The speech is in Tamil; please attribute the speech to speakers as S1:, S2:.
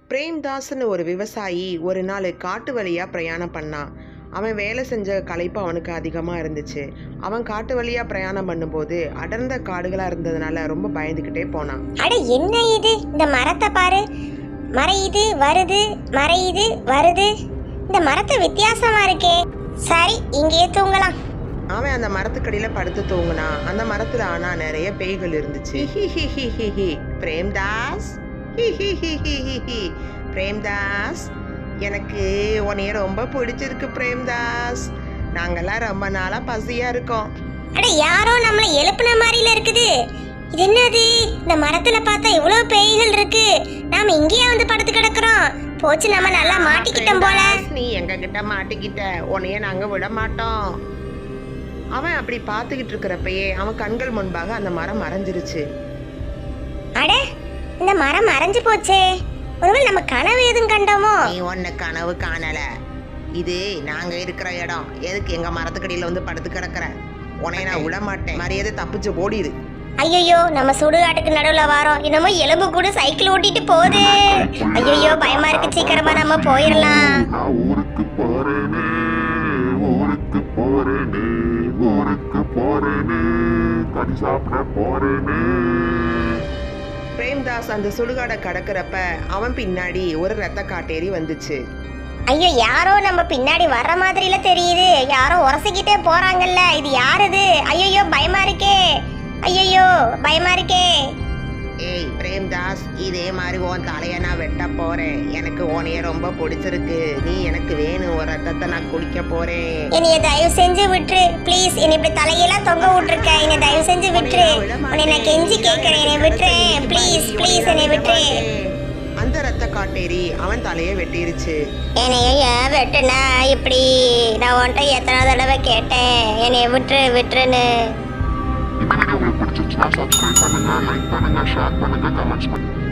S1: பிரேம்தாஸ்னு ஒரு விவசாயி ஒரு நாள் காட்டு வழியாக பிரயாணம் பண்ணான். அவன் வேலை செஞ்ச களைப்பு அவனுக்கு அதிகமாக இருந்துச்சு. அவன் காட்டு வழியாக பிரயாணம் பண்ணும்போது அடர்ந்த காடுகளாக இருந்ததுனால ரொம்ப பயந்துக்கிட்டே போனான்.
S2: அட என்ன இது, இந்த மரத்தை பாரு, மறையுது வருது, மறையுது வருது. இந்த மரத்தை வித்தியாசமா இருக்கே. சரி, இங்கேயே தூங்கலாம்.
S1: அவன் அந்த மரத்துக்கடியில் படுத்து தூங்கினான். அந்த மரத்தில் ஆனால் நிறைய பேய்கள் இருந்துச்சு. பிரேம்தாஸ், பிரேம்தாஸ், எனக்கு உன்னைய ரொம்ப பிடிச்சிருக்கு பிரேம்தாஸ். நாங்கெல்லாம் ரொம்ப நாளா பசியா இருக்கோம்.
S2: அட யாரோ நம்மளை எழுப்புன மாதிரில இருக்குது. இது என்னது, இந்த மரத்துல பார்த்தா இவ்வளவு பேய்கள் இருக்கு. நாம இங்கேயே வந்து படுத்து கிடக்குறோம். போச்சு, நம்ம நல்லா மாட்டிக்கிட்டோம் போல.
S1: நீ எங்க கிட்ட மாட்டிக்கிட்ட, உன்னைய நாங்க விட மாட்டோம். அவன் அப்படி பார்த்துக்கிட்டு இருக்கிறப்பயே அவன் கண்கள் முன்பாக அந்த மரம் மறைஞ்சிருச்சு.
S2: அட, இந்த மரம் மறைஞ்சு போச்சே. ஒருவேளை நம்ம கனவு எதுவும் கண்டோமோ?
S1: நீ ஒன்னு கனவு காணல. இது நாங்க இருக்கிற இடம். எதுக்கு எங்க மரத்துக்கடியில வந்து படுத்து கிடக்குற? உன்னைய நான் விட மாட்டேன். மரியாதை தப்பிச்சு ஓடிடு.
S2: ஐயோ, நம்ம சுடுகாட்டுக்கு நடுவுல வாரோம். என்னமோ எலும்பு கூட சைக்கிள் ஓட்டிட்டு போகுது. ஐயோ, பயமா இருக்கு. சீக்கிரமா நம்ம போயிடலாம்.
S1: பிரேம்தாஸ் அந்த சுடுகாடை கடக்கிறப்ப அவன் பின்னாடி ஒரு ரத்த காட்டேரி வந்துச்சு.
S2: ஐயோ, யாரோ நம்ம பின்னாடி வர்ற மாதிரில தெரியுது. யாரோ உரசிக்கிட்டே போறாங்கல்ல. இது யாருது? ஐயோ, பயமா இருக்கே. ஐயோ, பயமா இருக்கே.
S1: ஏய் பிரேம்தாஸ், இதே மாதிரி உன் தலையை நான் வெட்ட போறேன். எனக்கு உன்னைய ரொம்ப பிடிச்சிருக்கு. நீ எனக்கு வேணும். ஒரு ரத்தத்தை நான் குடிக்க போறேன்.
S2: என்னைய தயவு செஞ்சு விட்டுரு ப்ளீஸ். என்னை இப்படி தலையெல்லாம் தொங்க விட்டுருக்க. என்னை தயவு செஞ்சு விட்டுரு. உன்னை நான் கெஞ்சி கேட்கறேன். என்னை விட்டுறேன் ப்ளீஸ் ப்ளீஸ், என்னை விட்டுரு.
S1: அந்த ரத்த காட்டேரி அவன் தலையை வெட்டிருச்சு.
S2: என்னைய ஏன் வெட்டுனா இப்படி? நான் உன்கிட்ட எத்தனை தடவை கேட்டேன் என்னைய விட்டுரு விட்டுருன்னு.
S3: இந்த வீடியோ உங்களுக்கு பிடிச்சிருச்சுன்னா சப்ஸ்கிரைப் பண்ணுங்க, லைக் பண்ணுங்க, ஷேர் பண்ணுங்க, கமெண்ட்ஸ் பண்ணுங்க.